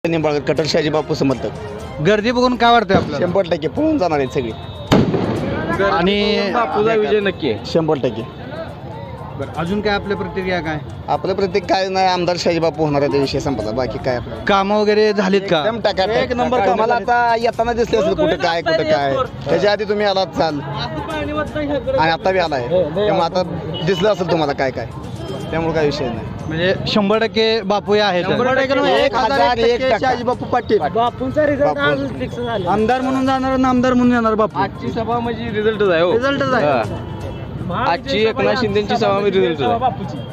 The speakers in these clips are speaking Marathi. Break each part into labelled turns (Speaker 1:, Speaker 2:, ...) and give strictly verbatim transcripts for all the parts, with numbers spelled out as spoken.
Speaker 1: निंबाळकर कटर शाजी बापू समर्थक
Speaker 2: गर्दी बघून काय वाटतंय आपल्याला?
Speaker 1: शंभर टक्के पळून जाणार आहेत सगळी
Speaker 2: आणि
Speaker 3: बापूचा विजय नक्की आहे.
Speaker 1: शंभर टक्के.
Speaker 2: बरं, अजून काय आपल्या प्रतिक्रिया काय?
Speaker 1: आपलं प्रत्येक काय नाही आमदार शाजी बापू होणार आहे, विषय संपला. बाकी काय आपलं
Speaker 2: कामं वगैरे झालीत का?
Speaker 1: एकदम टाका एक नंबर. मला आता येताना दिसले असेल कुठं काय कुठं काय. त्याच्या आधी तुम्ही आलात चाल आणि आता बी आलाय, त्यामुळे आता दिसलं असेल तुम्हाला काय काय, त्यामुळे काय विषय नाही.
Speaker 2: म्हणजे शंभर टक्के बापू हे आहेत.
Speaker 1: एक हजार एक टक्का.
Speaker 2: शाजी बापू पाटील
Speaker 3: बापूंचा रिझल्ट
Speaker 1: बापू.
Speaker 3: आज फिक्स झाला.
Speaker 2: आमदार म्हणून जाणार आणि आमदार म्हणून येणार बापू.
Speaker 3: आजची सभा म्हणजे रिझल्टच आहे हो.
Speaker 2: रिझल्टच आहे.
Speaker 3: हा. आजची एकनाथ शिंदेची सभा म्हणजे रिझल्टच आहे.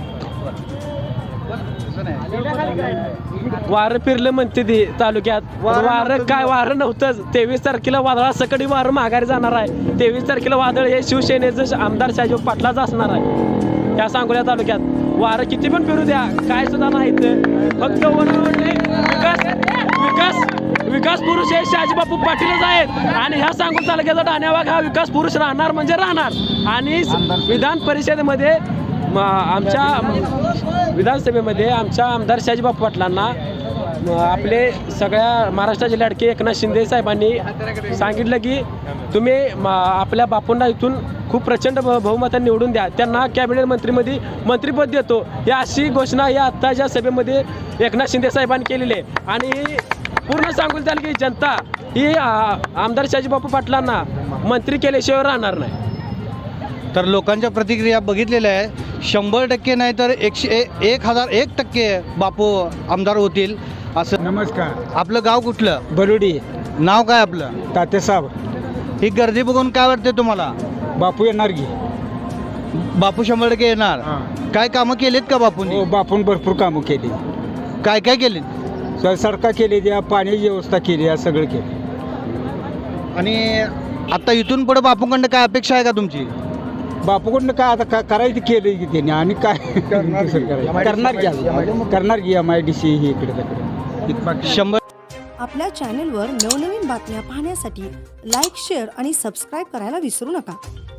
Speaker 3: वारं फिरलं म्हणते ते तालुक्यात. वारं काय वारं नव्हतंच. तेवीस तारखेला वादळा सकडी वारं माघारी जाणार आहे. तेवीस तारखेला वादळ हे शिवसेनेचं आमदार शाजी पाटलाच असणार आहे. त्या सांगोल्या तालुक्यात वारं किती पण फिरू द्या, काय सुद्धा नाही. फक्त वनवडले विकास विकास विकास पुरुष हे शाजीबापू पाटीलच आहेत. आणि ह्या सांगोल तालुक्याचा डाण्यावाग हा विकास पुरुष राहणार म्हणजे राहणार. आणि विधान परिषदेमध्ये म- आमच्या विधानसभेमध्ये आमच्या आमदार शाजीबापू पाटलांना म- आपले सगळ्या महाराष्ट्राचे लाडके एकनाथ शिंदे साहेबांनी सांगितलं की तुम्ही म- आपल्या बापूंना इथून खूप प्रचंड ब- बहुमताने निवडून द्या, त्यांना कॅबिनेट मंत्रीमध्ये मंत्रिपद देतो, या अशी घोषणा या आत्ताच्या सभेमध्ये एकनाथ शिंदे साहेबांनी केलेली आहे. आणि पूर्ण सांगून द्याल की जनता ही आ, आमदार शाजीबापू पाटलांना मंत्री केल्याशिवाय राहणार नाही.
Speaker 2: तर लोकांच्या प्रतिक्रिया बघितलेल्या आहे. शंभर टक्के नाही तर एकशे ए- एक हजार एक टक्के बापू आमदार होतील असं.
Speaker 4: नमस्कार.
Speaker 2: आपलं गाव कुठलं?
Speaker 4: बरुडी.
Speaker 2: नाव काय आपलं?
Speaker 4: तातेसाहेब.
Speaker 2: ही गर्दी बघून काय वाटते तुम्हाला?
Speaker 4: बापू येणार की?
Speaker 2: बापू शंभर टक्के येणार. काय कामं केलीत का बापूंनी?
Speaker 4: हो, बापून भरपूर कामं केली.
Speaker 2: काय काय केलीत?
Speaker 4: स- सडका केली, द्या पाण्याची व्यवस्था केली, या सगळं केलं.
Speaker 2: आणि आता इथून पुढे बापूकडनं काय अपेक्षा आहे का तुमची?
Speaker 4: बापूकडनं काय आता का करायचं केलं की त्याने आणि काय करणार करणार की आता? करणार की एम आय डी सी ही इकडे तिकडे.
Speaker 2: शंभर
Speaker 5: आपल्या चॅनेलवर नवनवीन बातम्या पाहण्यासाठी लाईक, शेअर आणि सबस्क्राईब करायला विसरू नका.